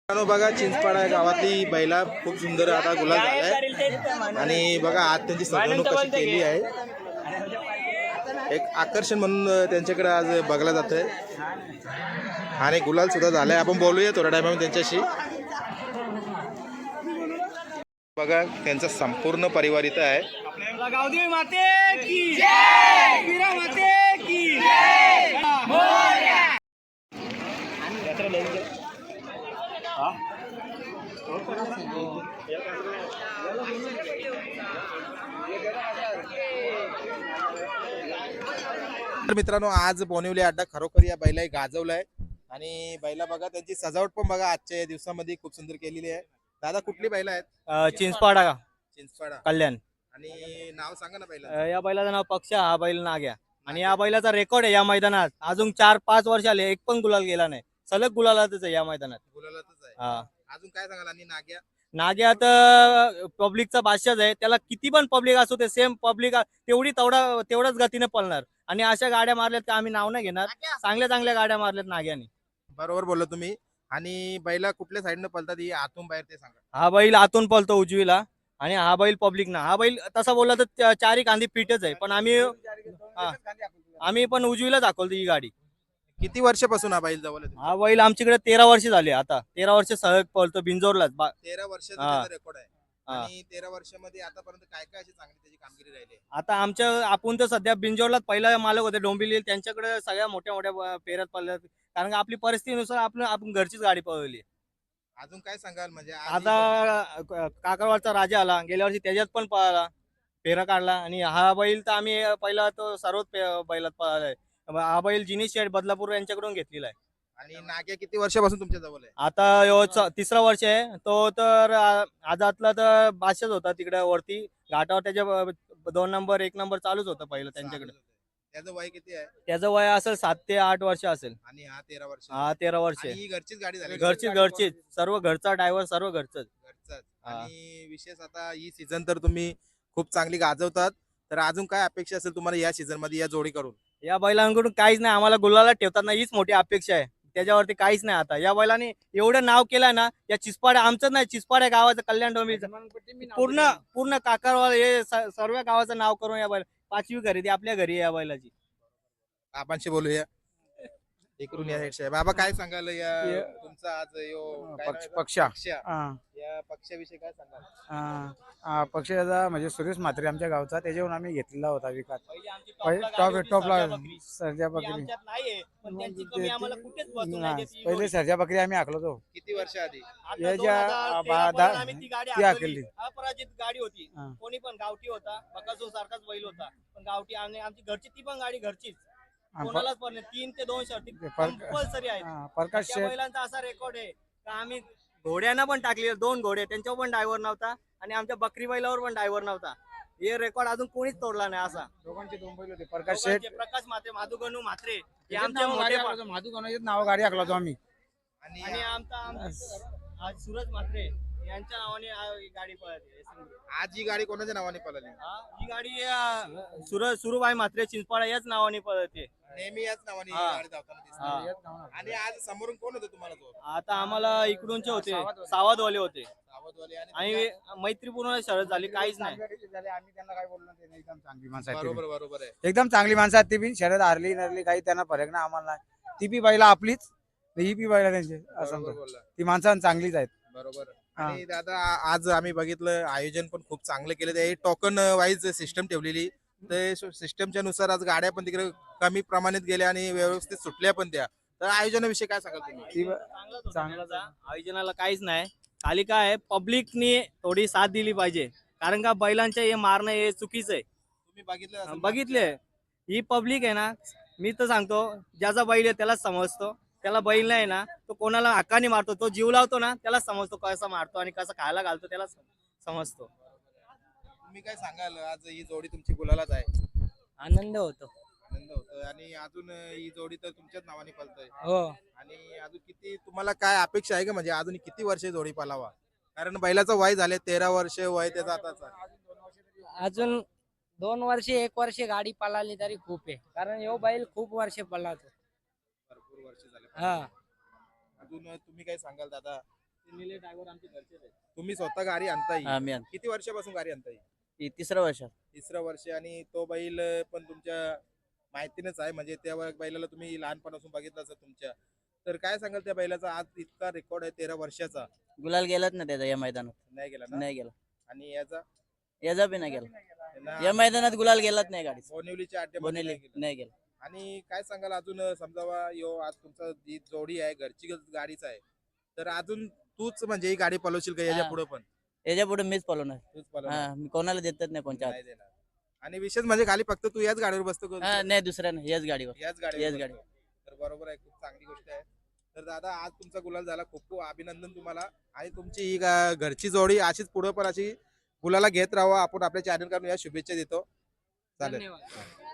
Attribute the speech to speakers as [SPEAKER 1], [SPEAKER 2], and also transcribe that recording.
[SPEAKER 1] मित्रांनो बघा चिंचपाडा गावातली बैला खूप सुंदर आता गुलाल झालाय आणि बघा आज त्यांची सजवणूक कशी केली आहे. एक आकर्षण म्हणून त्यांच्याकडे आज बघला जातंय आणि गुलाल सुद्धा झालाय. आपण बोलूया थोड्या टायमामध्ये त्यांच्याशी. बघा त्यांचा संपूर्ण परिवार इथं आहे.
[SPEAKER 2] गावदेवी माते की जय, वीरा माते की जय.
[SPEAKER 1] तर मित्रांनो आज बोनिवली अड्डा खरोखर या बैला गाजवलाय आणि बैला बघा त्यांची सजावट पण बघा आजच्या दिवसामध्ये खूप सुंदर केलेली आहे. दादा कुठली बैला आहेत?
[SPEAKER 2] चिंचपाडा
[SPEAKER 1] चिंचपाडा
[SPEAKER 2] कल्याण.
[SPEAKER 1] आणि नाव सांगा ना बैला.
[SPEAKER 2] या बैलाचं नाव पक्ष, हा बैल नाग्या. आणि या बैलाचा रेकॉर्ड आहे या मैदानात अजून 4-5 वर्ष आले एक पण गुलाल गेला नाही. सलग गुलालातच आहे या मैदानात.
[SPEAKER 1] गुलालातच आहे.
[SPEAKER 2] हा
[SPEAKER 1] अजून काय सांगाल? आणि नाग्या
[SPEAKER 2] नाग्या तर पब्लिकचा बादशाच आहे. त्याला किती पण पब्लिक असू ते सेम पब्लिक तेवढाच गतीने पळणार. आणि अशा गाड्या मारल्यात का आम्ही नाव नाही घेणार. चांगल्या गाड्या मारल्यात नाग्याने.
[SPEAKER 1] बरोबर बोलला तुम्ही. आणि बैला कुठल्या साईडनं पळतात ही आतून बाहेर ते सांगा.
[SPEAKER 2] हा बैल आतून पळतो उजवीला आणि हा बैल पब्लिक ना. हा बैल तसा बोलला तर चारी कांदी फिटच आहे पण आम्ही पण उजवीला दाखवतो ही गाडी.
[SPEAKER 1] किती वर्षापासून हा बैल जवळ
[SPEAKER 2] हा बैल आमच्याकडे 13 वर्ष झाले. आता 13 वर्ष सहज पळतो बिंजोरलाच.
[SPEAKER 1] 13 वर्षाचा रेकॉर्ड आहे.
[SPEAKER 2] हा.
[SPEAKER 1] आणि 13 वर्षामध्ये आतापर्यंत काय काय अशी चांगली त्याची कामगिरी राहिली आहे?
[SPEAKER 2] आता आपण तर सध्या बिंजोरलाच पहिला मालक होते डोंबिवली. त्यांच्याकडे सगळ्या मोठ्या पेऱ्यात पळल्यात. कारण का आपली परिस्थितीनुसार आपण घरचीच गाडी पळवली.
[SPEAKER 1] अजून काय सांगाल? म्हणजे
[SPEAKER 2] आता काकरवाडचा राजा आला गेल्या वर्षी त्याच्यात पण पळाला फेरा काढला. आणि हा बैल तर आम्ही पहिला तो सर्वच बैलात पळालाय. हा बैल जिनीश शेठ बदलापूर यांच्याकडून घेतलेला आहे.
[SPEAKER 1] आणि नाग्या किती वर्षापासून तुमच्या जवळ आहे?
[SPEAKER 2] आता तिसरा वर्ष आहे. तो तर आजातला तर बादशाच होता तिकडे वरती घाटावर. त्याच्या 2 नंबर 1 नंबर चालूच होतं पहिलं त्यांच्याकडे.
[SPEAKER 1] त्याचं वय किती आहे?
[SPEAKER 2] त्याचं वय असेल 7 ते 8 वर्ष असेल.
[SPEAKER 1] आणि हा 13 वर्ष.
[SPEAKER 2] हा 13 वर्ष
[SPEAKER 1] आणि ही घरचीच गाडी झाली.
[SPEAKER 2] घरचीच सर्व घरचा ड्रायव्हर सर्व घरचंच.
[SPEAKER 1] आणि विशेष आता ही सीझन तर तुम्ही खूप चांगली गाजवतात. तर अजून काय अपेक्षा असेल तुम्हाला या सीझन मध्ये या जोडी करून?
[SPEAKER 2] या बैलांकडून काहीच नाही. आम्हाला गुलाला ठेवतात ना हीच मोठी अपेक्षा आहे. त्याच्यावरती काहीच नाही. आता या बैलाने एवढं नाव केलं ना. या चिचपाड्या आमचंच नाही चिचपाड्या गावाचं कल्याण डोंबिवलीचं पूर्ण काकारवाल हे सर्व गावाचं नाव करून या बैल 5वी खरेदी आपल्या घरी आहे या बैलाची.
[SPEAKER 1] आपणशी बोलूया. इकडून या साईडचे बाबा काय सांगाल या तुमचा आज
[SPEAKER 3] पक्ष
[SPEAKER 1] या पक्षाविषयी काय सांगाल?
[SPEAKER 3] पक्षाचा म्हणजे सुरेश म्हात्रे आमच्या गावचा त्याच्यावरून आम्ही घेतलेला होता विकास. टॉपला सर्जा बकरी पहिले सर्जा बकरी आम्ही आखलो तो
[SPEAKER 1] किती वर्ष आधी?
[SPEAKER 3] ती आखली.
[SPEAKER 2] अपराजित गाडी होती. कोणी पण गावठी होता बकासूर सारखाच बैल होता पण गावठी. आणि आमची घरची ती पण गाडी घरचीच. कोणालाच पण 3 ते 2 शर्ती कंपल्सरी आहेत.
[SPEAKER 3] प्रकाश
[SPEAKER 2] बैलांचा असा रेकॉर्ड आहे का आम्ही घोड्यांना पण टाकले 2 घोडे त्यांच्यावर पण ड्रायव्हर नव्हता. आणि आमच्या बकरी बैलावर पण ड्रायव्हर नव्हता. हे रेकॉर्ड अजून कोणीच तोडला नाही. असा
[SPEAKER 3] दोघांचे 2 बैल होते. प्रकाश शेठ
[SPEAKER 2] प्रकाश मात्रे माधुगणू म्हात्रे हे
[SPEAKER 3] आमच्या
[SPEAKER 2] मोठे
[SPEAKER 3] माधुगणाचे नाव गाडी आखला होतो आम्ही.
[SPEAKER 2] आणि आमचा सूरज म्हात्रे यांच्या नावाने गाडी पळते.
[SPEAKER 1] आज ही गाडी कोणाच्या नावाने पळाली?
[SPEAKER 2] ही गाडी सुरुबाई म्हात्रे चिंचपाडा याच नावाने पळते.
[SPEAKER 1] नेहमी याच नावाने गाडी धावताना दिसते. आणि आज समोरून कोण होतं तुम्हाला?
[SPEAKER 2] आता आम्हाला इकडूनचे होते सावधवाले होते.
[SPEAKER 1] सावधवाले.
[SPEAKER 2] आणि मैत्रीपूर्ण शरद झाली काहीच नाही.
[SPEAKER 3] आम्ही त्यांना काय बोललो नाही. एकदम चांगली माणसं आहेत.
[SPEAKER 1] बरोबर आहे.
[SPEAKER 3] एकदम चांगली माणसं आहेत. ती बी शरद हारली नरली काही त्यांना फरक नाही आम्हाला नाही. ती बी बैला आपलीच ही बी बैला त्यांची असं ती माणसं चांगलीच आहेत.
[SPEAKER 1] बरोबर. आणि दादा आज आम्ही बघितलं आयोजन पण खूप चांगलं केलं. ते टोकन वाईज सिस्टम ठेवलेली. ते सिस्टमच्या नुसार आज गाड्या पण तिकडे कमी प्रमाणात गेल्या आणि व्यवस्थित सुटल्या पण त्या. तर आयोजनाविषयी काय सांगाल तुम्ही?
[SPEAKER 2] चांगलं आयोजनाला काहीच नाही. खाली काय आहे पब्लिकनी थोडी साथ दिली पाहिजे. कारण का बैलांच्या हे मारणं हे चुकीचं आहे.
[SPEAKER 1] तुम्ही
[SPEAKER 2] बघितले ही पब्लिक आहे ना. मी तर सांगतो ज्याचा बैल आहे त्यालाच समजतो. त्याला बैल नाही ना तो कोणाला हक्काने मारतो. तो जीव लावतो ना त्याला समजतो कसा मारतो आणि कसं खायला घालतो त्याला समजतो.
[SPEAKER 1] तुम्ही काय सांगाल? आज ही जोडी तुमची गुलालाच आहे.
[SPEAKER 2] आनंद होतो.
[SPEAKER 1] आणि अजून ही जोडी तर तुमच्याच नावाने पळतोय.
[SPEAKER 2] हो.
[SPEAKER 1] आणि अजून किती तुम्हाला काय अपेक्षा आहे का? म्हणजे अजून किती वर्ष जोडी पालावा? कारण बैलाचं वय झाले 13 वर्ष वय त्याचा आताचा.
[SPEAKER 4] अजून 2 वर्ष 1 वर्ष गाडी पळाली तरी खूप आहे. कारण यो बैल खूप वर्ष पळातो.
[SPEAKER 1] भरपूर वर्ष झाले.
[SPEAKER 4] हा
[SPEAKER 1] अजून तुम्ही काय सांगाल दादा? तुम्ही स्वतः गाडी आणताय
[SPEAKER 5] हा मी
[SPEAKER 1] किती वर्षापासून गाडी आणताय?
[SPEAKER 5] तिसरं वर्ष.
[SPEAKER 1] तिसरं वर्ष. आणि तो बैल पण तुमच्या माहितीनच आहे, म्हणजे त्या बैलाला तुम्ही लहानपणापासून बघितलं असेल तुमच्या. तर काय सांगाल त्या बैलाचा आज इतका रेकॉर्ड आहे 13 वर्षाचा?
[SPEAKER 5] गुलाल गेलाच ना त्याचा या मैदानात.
[SPEAKER 1] नाही गेला ना?
[SPEAKER 5] नाही गेला.
[SPEAKER 1] आणि याचा
[SPEAKER 5] याचा बी नाही गेला.
[SPEAKER 1] त्यांना
[SPEAKER 5] या मैदानात गुलाल गेलाच नाही गाडी.
[SPEAKER 1] बोनिवलीच्या अड्ड्यामध्ये
[SPEAKER 5] बोनेली
[SPEAKER 1] नाही गेला.
[SPEAKER 5] नाही गेला.
[SPEAKER 1] आणि काय सांगाल अजून, समजावा यो आज तुमचा जी जोडी आहे घरची गाडीच आहे, तर अजून तूच म्हणजे ही गाडी पळवशील का याच्या
[SPEAKER 5] हा.
[SPEAKER 1] पुढे पण?
[SPEAKER 5] याच्या पुढे मीच पळवणार.
[SPEAKER 1] तूच पळवणार?
[SPEAKER 5] हा मी कोणाला देतच नाही कोणच्या
[SPEAKER 1] नाही देणार. आणि विशेष म्हणजे खाली फक्त तू याच गाडीवर बसतो का?
[SPEAKER 5] हा नाही दुसऱ्या नाही याच गाडीवर.
[SPEAKER 1] याच गाडीवर
[SPEAKER 5] याच
[SPEAKER 1] बसतो.
[SPEAKER 5] गाडीवर.
[SPEAKER 1] तर बरोबर आहे, खूप चांगली गोष्ट आहे. तर दादा आज तुमचा गुलाल झाला, खूप खूप अभिनंदन तुम्हाला. आणि तुमची ही घरची जोडी अशीच पुढे पण अशी गुलाला घेत राहावं, आपण आपल्या चॅनल कडून या शुभेच्छा देतो. चालेल.
[SPEAKER 4] धन्यवाद.